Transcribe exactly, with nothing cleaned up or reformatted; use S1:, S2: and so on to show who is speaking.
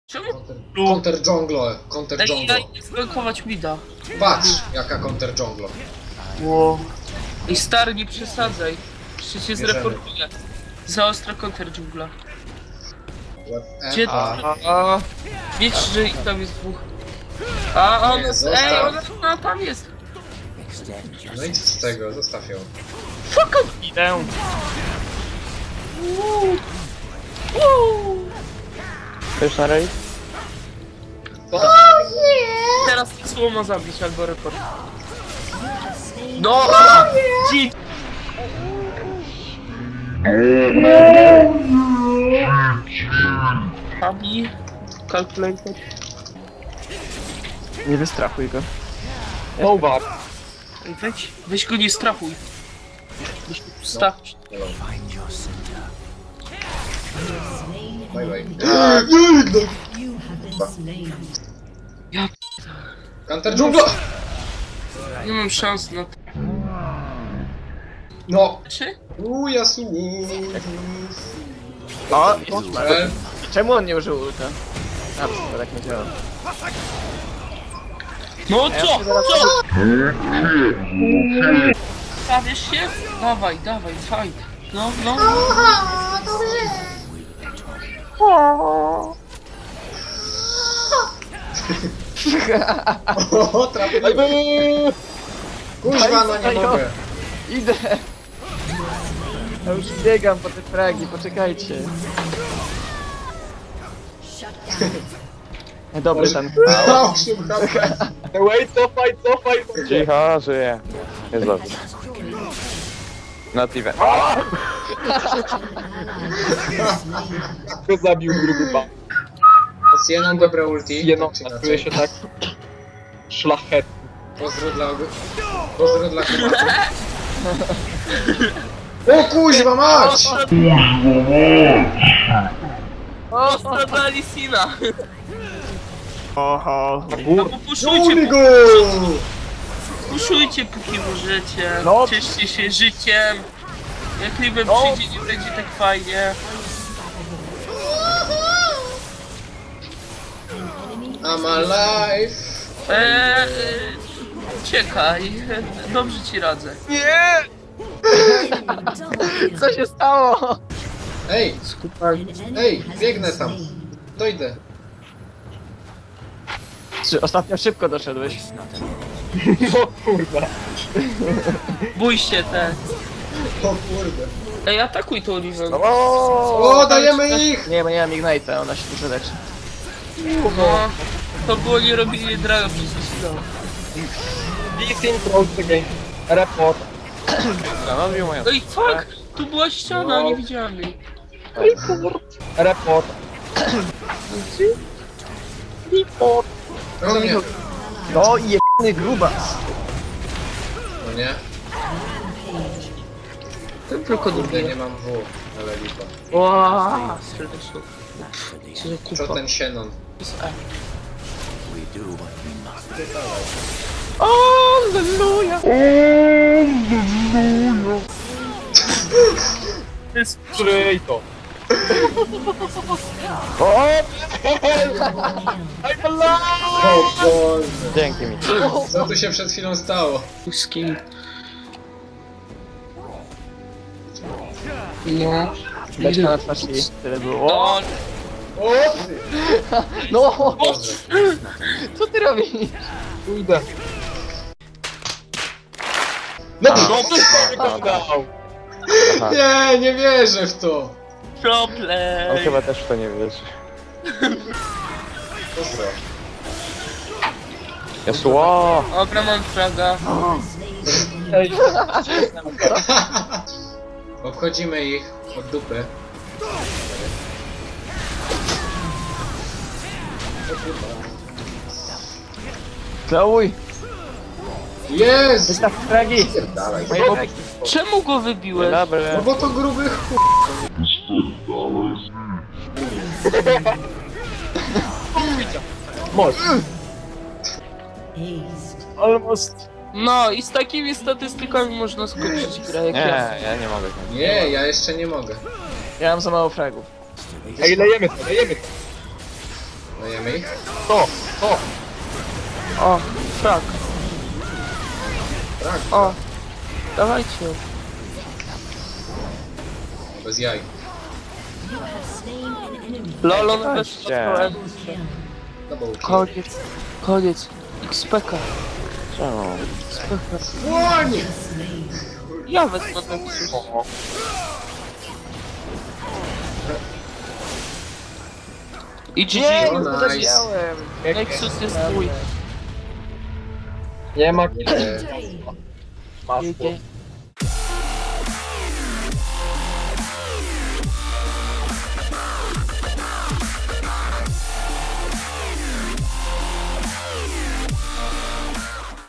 S1: Czemu?
S2: Counter jungle, counter
S1: Ej,
S2: jungle.
S1: ja zblokować mida.
S2: Patrz, jaka counter jungle.
S1: Ło. I stary, nie przesadzaj. Jeszcze cię
S2: Bierzemy.
S1: zreportuję. Za ostra counter dżungla.
S2: E,
S1: Gdzie
S2: a,
S1: to? A, wiecie, że ich tam jest dwóch. A on
S2: Nie,
S1: jest.
S2: zostaw.
S1: Ej, ona no, tam jest.
S2: No i co z tego, zostaw ją.
S1: Fuck off! Idę.
S3: Chcesz na raid?
S1: Teraz słowo ma zabić albo report. No! Dzi- Abi, calculator.
S3: Nie wystrachuj go.
S1: Oba. Weź, weź go nie strachuj. Weź go strachuj.
S2: Bye bye.
S1: Ja
S2: Counter jungle!
S1: nie mam szans na to.
S2: No!
S1: Czy?
S2: Uuu, Yasuo!
S3: O!
S2: E,
S3: Czemu on nie użył ulta? A, to tak nie działa.
S1: No
S3: A ja
S1: co?
S3: sobie zaraz-
S1: Co? Stawiesz się? Dawaj, dawaj, fight. No, no.
S2: o, trafiłem! Kuźwa, no nie mogę.
S3: Idę! Ja już biegam po te fragi, poczekajcie. E, Dobry ten.
S2: osiem H P.
S4: Wait, cofaj, cofaj!
S5: Cicho, żyje. Jest dobrze. Not even.
S4: Kto zabił grupa?
S2: Sienon, dobre ulti.
S4: Jedno,
S2: Tak czy
S4: czuje
S2: inaczej.
S4: się tak szlachetnie.
S2: Pozdro dla... Pozdro dla kumaczy. O kuźwa mać!
S1: Ostro dla Lisina.
S3: Oho.
S1: No popuszujcie,
S2: Żuli go!
S1: popuszujcie póki możecie.
S3: No.
S1: Cieszcie się życiem. Jak Riven
S3: No.
S1: przyjdzie, nie będzie tak fajnie.
S2: I'm alive!
S1: Eee, czekaj, dobrze ci radzę.
S3: Nie! Co się stało?
S2: Ej,
S1: Skupaj.
S2: ej, biegnę tam. Dojdę.
S3: Czy ostatnio szybko doszedłeś?
S4: O kurwa.
S1: Bój się te.
S2: O kurde.
S1: Ej, atakuj tą Riven.
S2: O, dajemy ich!
S3: Nie, bo nie mam Ignite'a, ona się dużo leczy.
S1: No, to było nie robienie draga przez Lisina.
S4: Listing close the game. Report.
S5: Stanowił moją...
S1: Ej, fuck! Tu była ściana, nie widziałem jej.
S4: Report. Report.
S2: No nie.
S3: No i jebany grubas.
S2: No nie.
S1: Ten tylko
S2: Kurde,
S1: drugi.
S2: nie mam W. Ale lipa.
S1: Ła, serdecznie. Co za
S2: Co
S1: kupa.
S2: ten Sienon?
S1: Z E.
S3: Alleluja!
S1: To jest
S4: Przyj to. I'm alive!
S2: O Boże.
S5: Dzięki mi.
S2: Co tu się przed chwilą stało?
S1: skin. No.
S3: Beczka na twarz i tyle było.
S1: No,
S2: O ty!
S3: No!
S2: Boże.
S3: Co ty robisz?
S4: Pójdę.
S2: No
S4: No to wyglądał.
S5: Aha.
S2: nie, nie wierzę w to.
S5: On
S1: problem.
S5: chyba też w to nie wierzy.
S2: Pozdro.
S5: Yasuo!
S1: Dobra, mam fraga.
S4: Ej,
S2: Obchodzimy ich od dupy.
S3: Klauj!
S2: Jest!
S3: Wystaw fragi!
S2: Dalej.
S3: Moje bobki.
S1: Czemu go
S5: Dzień
S1: wybiłeś?
S5: dobry.
S2: No bo to gruby ch...
S4: Most.
S3: Almost.
S1: No i z takimi statystykami można skończyć grę jak
S5: Nie,
S1: ja.
S5: ja nie mogę.
S2: Nie, ja jeszcze nie mogę.
S3: Ja mam za mało fragów.
S4: Ej, lejemy to, lejemy to.
S2: Dajemy ich?
S4: To, to.
S1: O, frak.
S2: Tak,
S1: O, dawajcie.
S2: bez jaj.
S1: Lolo,
S5: Dawajcie.
S1: bez spotkałem.
S2: Double kill.
S1: Koniec, koniec. X P K.
S5: Czemu?
S1: X P K.
S2: Słonie!
S1: Ja wezmę Nexus. I G
S3: Nie,
S1: G.
S2: O,
S3: już
S2: nice.
S3: podejrzałem.
S1: Nexus jest mój.
S4: Nie ma
S2: Nie.
S4: masło.
S1: G G.